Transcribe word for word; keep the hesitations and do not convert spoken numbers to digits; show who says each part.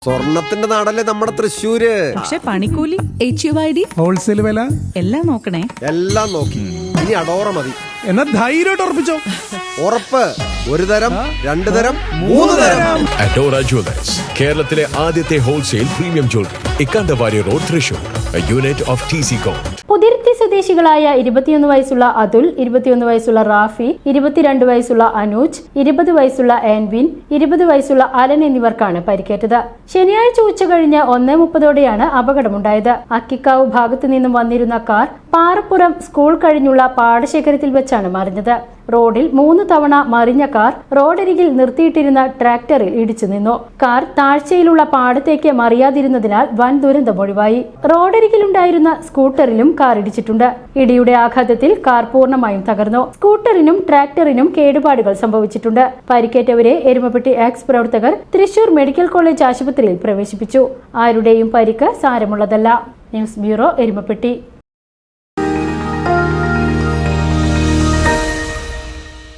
Speaker 1: സ്വർണത്തിന്റെ നാടല്ലേ നമ്മുടെ തൃശ്ശൂര്.
Speaker 2: പക്ഷെ പണിക്കൂലി, H U I D,
Speaker 3: wholesale വില
Speaker 2: എല്ലാം നോക്കണേ.
Speaker 1: എല്ലാം നോക്കി. ഇനി അടോറ മതി.
Speaker 3: എന്നാ ധൈര്യമായിട്ട് ഉറപ്പിച്ചോ.
Speaker 1: ഉറപ്പ്. ഒരു തരം, രണ്ടു തരം, മൂന്ന് തരം.
Speaker 4: അഡോറ ജുവലേഴ്സ്, കേരളത്തിലെ ആദ്യത്തെ wholesale premium jewellery, Ikkandavari road, Thrissur. A unit of T C Com.
Speaker 5: Puthiruthi സ്വദേശികളായ ഇരുപത്തിയൊന്ന് വയസ്സുള്ള അതുൽ, ഇരുപത്തിയൊന്ന് വയസ്സുള്ള റാഫി, ഇരുപത്തിരണ്ട് വയസ്സുള്ള അനൂജ്, ഇരുപത് വയസ്സുള്ള ആൻവിൻ, ഇരുപത് വയസ്സുള്ള അലൻ എന്നിവർക്കാണ് പരിക്കേറ്റത്. ശനിയാഴ്ച ഉച്ച കഴിഞ്ഞ് ഒന്നേ മുപ്പതോടെയാണ് അപകടമുണ്ടായത്. അക്കിക്കാവ് ഭാഗത്തു നിന്നും വന്നിരുന്ന കാർ പാറപ്പുറം സ്കൂൾ കഴിഞ്ഞുള്ള പാടശേഖരത്തിൽ വെച്ചാണ് മറിഞ്ഞത്. റോഡിൽ മൂന്ന് തവണ മറിഞ്ഞ കാർ റോഡരികിൽ നിർത്തിയിട്ടിരുന്ന ട്രാക്ടറിൽ ഇടിച്ചു നിന്നു. കാർ താഴ്ചയിലുള്ള പാടത്തേക്ക് മറിയാതിരുന്നതിനാൽ വൻ ദുരന്തം ഒഴിവായി. റോഡരികിലുണ്ടായിരുന്ന സ്കൂട്ടറിലും കാർ ഇടിച്ചിട്ടുണ്ട്. ഇടിയുടെ ആഘാതത്തിൽ കാർ പൂർണ്ണമായും തകർന്നു. സ്കൂട്ടറിനും ട്രാക്ടറിനും കേടുപാടുകൾ സംഭവിച്ചിട്ടുണ്ട്. പരിക്കേറ്റവരെ എരുമപ്പെട്ടി എക്സ് പ്രവർത്തകർ തൃശൂർ മെഡിക്കൽ കോളേജ് ആശുപത്രിയിൽ പ്രവേശിപ്പിച്ചു. ആരുടെയും പരിക്ക് സാരമുള്ളതല്ല. News bureau, Erumapetty.